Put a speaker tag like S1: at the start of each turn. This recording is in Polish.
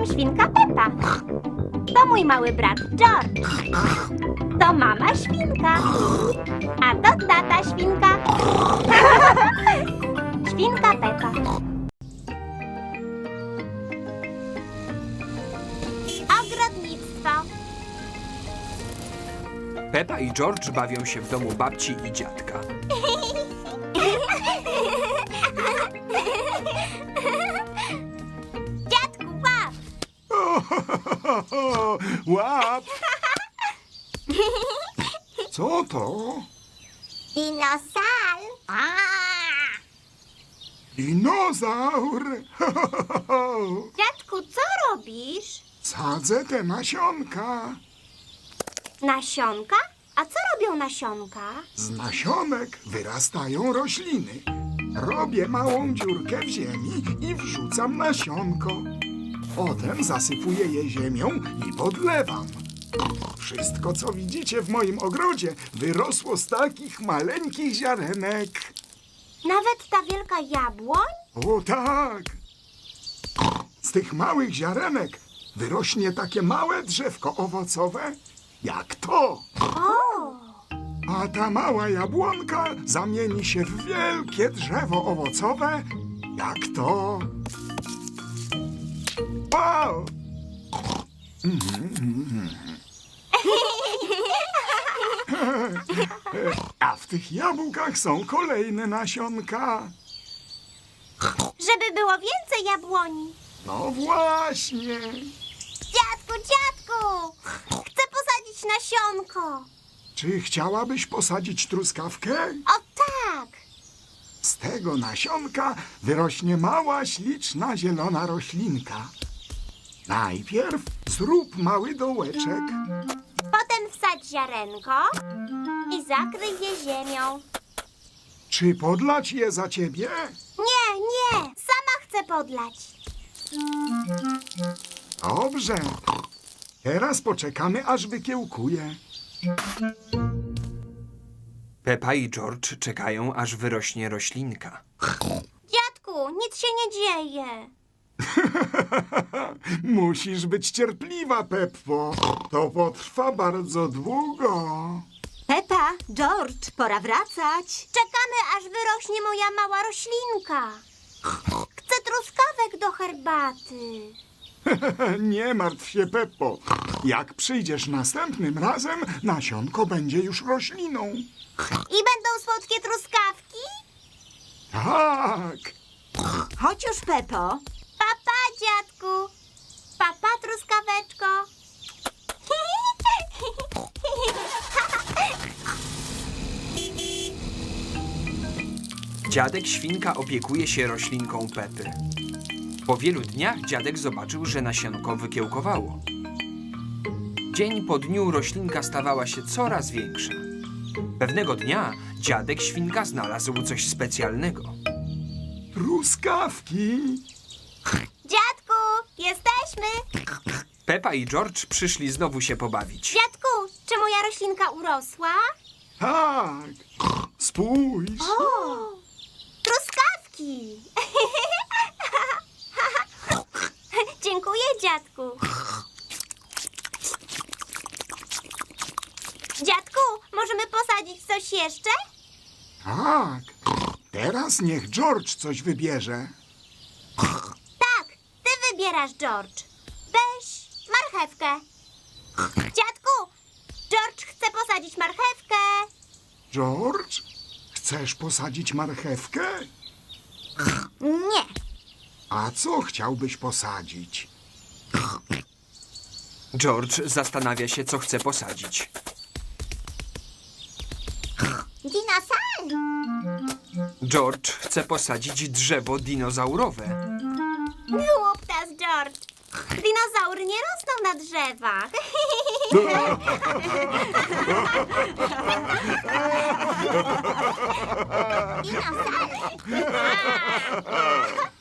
S1: Jestem świnka Pepa. To mój mały brat George. To mama świnka. A to tata świnka. Świnka Pepa. Ogrodnictwo.
S2: Pepa i George bawią się w domu babci i dziadka.
S1: Dziadku, łap!
S3: Łap! Co to?
S1: Dinosaur.
S3: Dinozaur!
S1: Dziadku, co robisz?
S3: Sadzę te nasionka.
S1: Nasionka? A co robią nasionka?
S3: Z nasionek wyrastają rośliny. Robię małą dziurkę w ziemi i wrzucam nasionko. Potem zasypuję je ziemią i podlewam. Wszystko, co widzicie w moim ogrodzie, wyrosło z takich maleńkich ziarenek.
S1: Nawet ta wielka jabłoń?
S3: O tak! Z tych małych ziarenek wyrośnie takie małe drzewko owocowe, jak to.
S1: O!
S3: A ta mała jabłonka zamieni się w wielkie drzewo owocowe, jak to. Wow! A w tych jabłkach są kolejne nasionka.
S1: Żeby było więcej jabłoni.
S3: No właśnie.
S1: Dziadku, dziadku! Chcę posadzić nasionko.
S3: Czy chciałabyś posadzić truskawkę?
S1: O tak!
S3: Z tego nasionka wyrośnie mała, śliczna, zielona roślinka. Najpierw zrób mały dołeczek.
S1: Potem wsadź ziarenko i zakryj je ziemią.
S3: Czy podlać je za ciebie?
S1: Nie, nie! Sama chcę podlać.
S3: Dobrze. Teraz poczekamy, aż wykiełkuje.
S2: Pepa i George czekają, aż wyrośnie roślinka.
S1: Dziadku, nic się nie dzieje.
S3: Musisz być cierpliwa, Peppo. To potrwa bardzo długo.
S4: Pepa, George, pora wracać.
S1: Czekamy, aż wyrośnie moja mała roślinka. Chcę truskawek do herbaty.
S3: Nie martw się, Peppo. Jak przyjdziesz następnym razem, nasionko będzie już rośliną.
S1: I będą słodkie truskawki?
S3: Tak.
S4: Chodź już, Pepo.
S1: Papa, dziadku. Papa, truskaweczko.
S2: Dziadek świnka opiekuje się roślinką Pepy. Po wielu dniach dziadek zobaczył, że nasionko wykiełkowało. Dzień po dniu roślinka stawała się coraz większa. Pewnego dnia dziadek świnka znalazł coś specjalnego.
S3: Truskawki.
S1: Dziadku, jesteśmy.
S2: Pepa i George przyszli znowu się pobawić.
S1: Dziadku, czy moja roślinka urosła?
S3: Tak. Spójrz.
S1: O, truskawki. Dziękuję, dziadku. Dziadku, możemy posadzić coś jeszcze?
S3: Tak. Teraz niech George coś wybierze.
S1: Tak, ty wybierasz, George. Weź marchewkę. Dziadku, George chce posadzić marchewkę.
S3: George, chcesz posadzić marchewkę?
S1: Nie.
S3: A co chciałbyś posadzić?
S2: George zastanawia się, co chce posadzić.
S1: Dinosaur.
S2: George chce posadzić drzewo dinozaurowe.
S1: Głuptas, George. Dinozaury nie rosną na drzewach. Dinosaur.